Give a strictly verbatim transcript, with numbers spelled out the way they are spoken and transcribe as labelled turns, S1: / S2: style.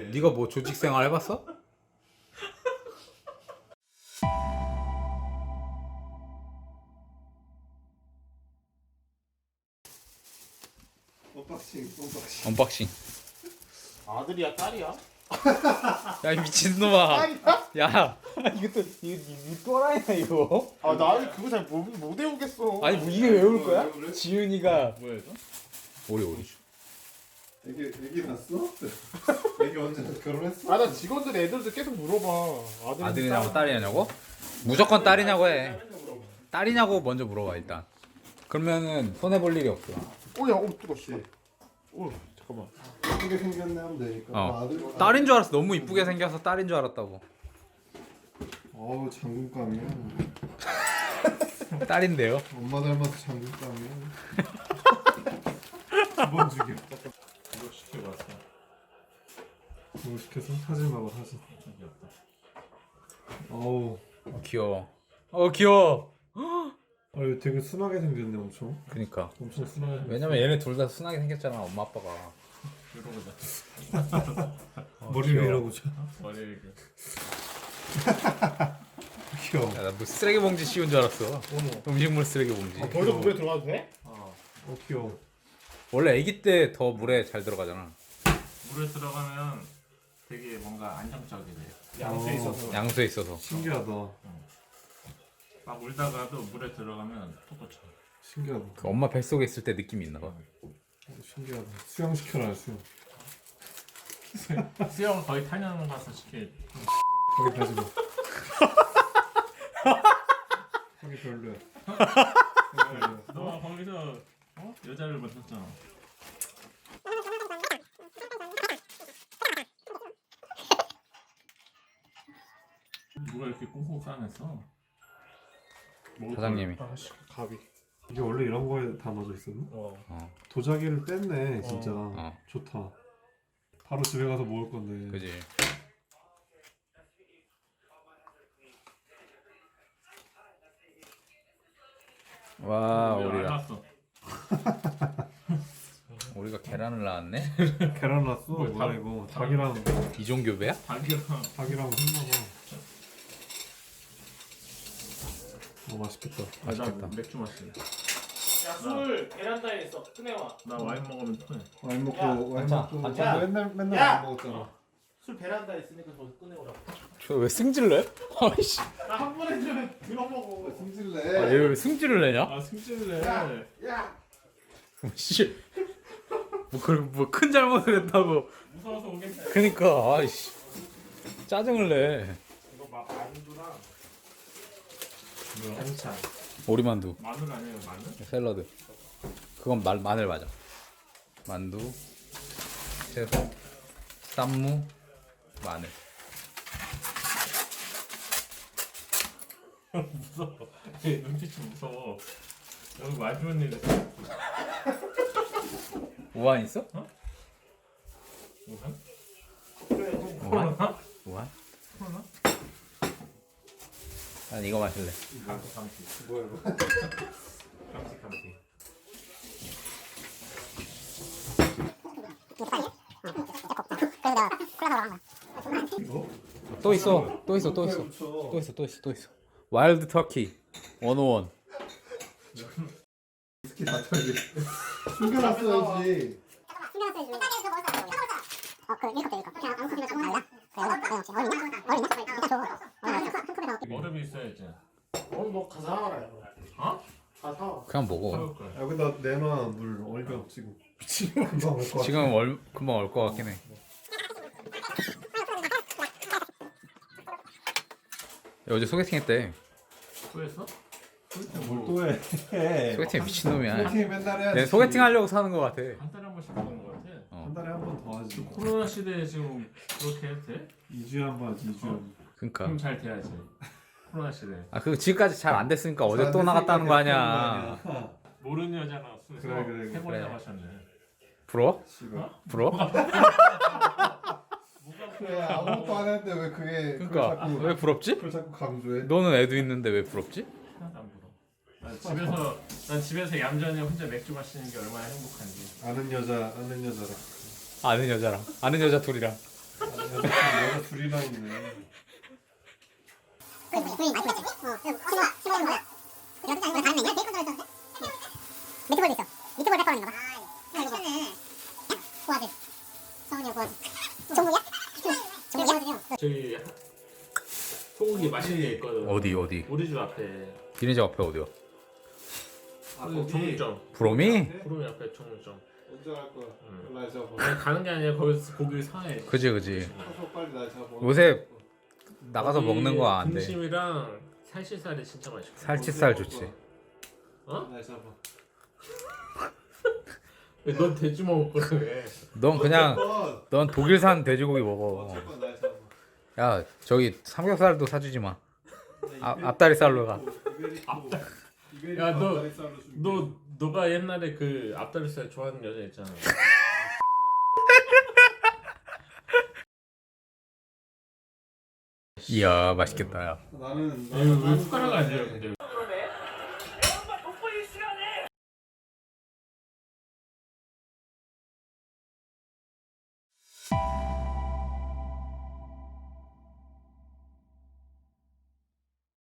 S1: 네가 뭐 조직 생활 해봤어?
S2: 언박싱, 언박싱.
S1: 언박싱.
S3: 아들이야 딸이야?
S1: 야 이 미친놈아. 야 이것도 이거 이거 또라이야 이거.
S3: 아 나는 그거 잘 못 외우겠어.
S1: 아니 뭐 이게 외울 거야?
S2: 왜 그래?
S1: 지윤이가
S3: 뭐야 이거?
S1: 오리 오리.
S2: 애기 애기 낳았어? 애기 언제 결혼했어?
S3: 아 나 직원들 애들도 계속 물어봐. 아들
S1: 아들이냐고 딸이냐고? 무조건 딸이냐고 해. 딸이냐고 먼저 물어봐 일단. 그러면은 손해 볼 일이 없어.
S3: 오야 오 뜨거 씨. 오 잠깐만.
S2: 예쁘게 생겼네 하면 되니까.
S1: 어.
S2: 아, 아들,
S1: 딸인 줄 알았어. 너무 이쁘게 생겨서 딸인 줄 알았다고.
S2: 어우 장군감이야.
S1: 딸인데요.
S2: 엄마 닮아서 장군감이야. 두 번 죽여.
S3: 이거 시키고 왔어.
S2: 이거 시켜서 사진 봐봐 사진. 어우.
S1: 어, 귀여워. 어 귀여워.
S2: 아 이거 되게 순하게 생겼네 엄청.
S1: 그니까.
S2: 엄청 순하게. 생겼어.
S1: 왜냐면 얘네 둘 다 순하게 생겼잖아 엄마 아빠가.
S3: 이러고자.
S2: 머리를 밀어보자.
S3: 머리를 이렇게.
S2: 귀여워.
S1: 야, 나 뭐 쓰레기 봉지 씌운 줄 알았어. 음식물 쓰레기 봉지.
S3: 아, 벌써 물에 들어가도 돼? 어.
S2: 어 귀여워.
S1: 원래 아기 때 더 물에 잘 들어가잖아.
S4: 물에 들어가면 되게 뭔가 안정적이래.
S3: 양수에
S2: 어.
S3: 있어서.
S1: 양수에 있어서.
S2: 신기하다.
S4: 막 울다가도 물에 들어가면 톡 꽂혀.
S2: 신기하다.
S1: 그 엄마 뱃속에 있을 때 느낌이 있나 봐.
S2: 어, 신기하다. 수영 시켜라 수영.
S4: 수영을 거의 탄년 가서 시킬.
S2: 거기 가지 마. 거기 별로야. 거기 별로야.
S4: 너가 거기서 어? 여자를 만났잖아. 누가 이렇게 꽁꽁 싸냈어?
S1: 사장님이.
S3: 아씨 가비.
S2: 이게 원래 이런 거에 담아져 있었나?
S3: 어.
S1: 어,
S2: 도자기를 뺐네 진짜.
S1: 어.
S2: 좋다. 바로 집에 가서 먹을 건데.
S1: 그지. 와
S4: 왜
S1: 우리가
S4: 알았어?
S1: 우리가 계란을 낳았네.
S2: 계란 났어.
S4: 뭐야,
S2: 뭐야
S4: 닭-
S2: 이거?
S4: 닭-
S2: 닭이랑
S1: 이종교배야?
S4: 닭이랑
S2: 닭이랑 했나봐. 어 맛있겠다.
S1: 맛있겠다.
S4: 나 맥주 마실래.
S3: 야술 베란다에 있어. 꺼내와.
S4: 나 와인 먹으면 토해.
S2: 와인 먹고
S3: 야,
S2: 와인
S1: 반찬,
S2: 먹고
S1: 반찬.
S2: 맨날 맨날
S3: 야!
S2: 와인 먹었잖아.
S3: 술 베란다에 있으니까 거기서 꺼내오라고.
S1: 저 왜 승질내? 아이씨.
S3: 나 한 번 해주면 들어 먹어.
S2: 승질내.
S1: 아, 얘 왜 승질을 내냐?
S4: 아 승질내.
S3: 야.
S1: 씨. 뭐큰 잘못을 했다고.
S4: 무서워서 오겠다.
S1: 그니까 아이씨. 짜증을 내.
S3: 이거 막 만두랑
S4: 뭐야?
S3: 반찬.
S1: 오리만두,
S4: 마늘 아니에요 마늘?
S1: 샐러드. 그건 마, 마늘 맞아. 만두, 채소, 쌈무, 마늘.
S4: 무서워. 얘 눈빛이 무서워. 여기 마지막 일에
S1: 우한 있어?
S4: 우한?
S1: 우한? 우한?
S4: 코로나?
S1: 난 이거 마실래.
S4: 감기 감기
S2: 뭐야 이거?
S4: 감기 감기.
S2: 이거?
S1: 또 있어, 또 있어, 또 있어, 또 있어, 또 있어, 또 있어. 와일드 터키 원오원.
S2: 위스키 다 털지. 숨겨놨어야지.
S4: 얼음이 있어야지.
S3: 오늘 너 가사 와라.
S4: 어?
S3: 가사.
S1: 그냥 먹어.
S4: 사올 거야.
S2: 여기다 내놔 물 얼려 지금. 지금 금방 올것 같아.
S1: 지금 얼 금방 올 것 같긴 해. 야, 어제 소개팅 했대.
S4: 또 했어?
S2: 뭘또 해?
S1: 소개팅 미친놈이야.
S2: 소개팅 맨날 해야지.
S1: 얘 소개팅 하려고 사는 것 같아.
S4: 한 달에 한 번씩 하는 거 같아.
S2: 한 달에 한 번 더 하지.
S4: 코로나 시대에 지금 그렇게 해도 돼?
S2: 이 주에 한 번 하지. 이 주에 한 번.
S1: 그러니까.
S4: 그럼 잘 돼야지. 코로나 시대.
S1: 아, 그 지금까지 잘 안 됐으니까 어제
S2: 잘
S1: 또
S2: 됐으니까
S1: 나갔다는 거
S2: 계속
S1: 아니야.
S2: 하는 거 아니야.
S4: 모르는 여자 나왔어.
S2: 그래, 그래,
S4: 세
S1: 그래.
S4: 번이나 마셨네.
S1: 부러워?
S2: 씨발.
S1: 부러워?
S2: 그래 아무것도 안 했는데 왜 그게 그걸
S1: 그러니까
S2: 자꾸
S1: 왜 부럽지?
S2: 그걸 자꾸 강조해?
S1: 너는 애도 있는데 왜 부럽지?
S4: 하나도 안 부러워. 난 집에서 난 집에서 얌전히 혼자 맥주 마시는 게 얼마나 행복한지.
S2: 아는 여자 아는 여자라.
S1: 아는 여자랑 아는 여자 둘이랑
S2: 아는 내가 둘이나 있네.
S5: 그 부인 많이 보냈지? 어, 친구 친구는 뭐야? 이거 진짜 이거 다른 애냐? 베이컨 들어있었는데? 미트볼도 있어. 미트볼 페퍼런인가 봐. 아, 맛있네. 구아들. 성훈이 형 구아들. 종국이야? 종국이야?
S4: 저기 소고기 맛있는 데 있거든.
S1: 어디 어디?
S4: 우리 집 앞에.
S1: 니네 집 앞에 어디요?
S2: 아
S4: 그
S2: 거기
S4: 정육점.
S1: 부러미?
S4: 구름이 앞에 정육점.
S2: 언제 갈 거야?
S4: 응.
S2: 날 잡아.
S4: 아니 가는 게 아니라 거기서 고기를 사해.
S1: 그지 그지.
S2: 가서 빨리 날 잡아.
S1: 요새 나가서
S4: 거기
S1: 먹는 거 안 돼.
S4: 등심이랑 살치살이 진짜 맛있고.
S1: 살치살 좋지.
S4: 어?
S2: 날 잡아.
S4: 왜 넌 돼지 먹을 거야 왜?
S1: 넌 그냥
S2: 어쨌건
S1: 넌 독일산 돼지고기 먹어.
S2: 어쨌건 날 잡아.
S1: 야 저기 삼겹살도 사주지 마. 앞 앞다리살로 가.
S2: 앞다리.
S4: 야, 너- 너 너가 옛날에 그 앞다리살 좋아하는 여자 있잖아.
S1: 이야 맛있겠다 야.
S2: 나는
S4: 이거 왜 숟가락 안 줘요? 근데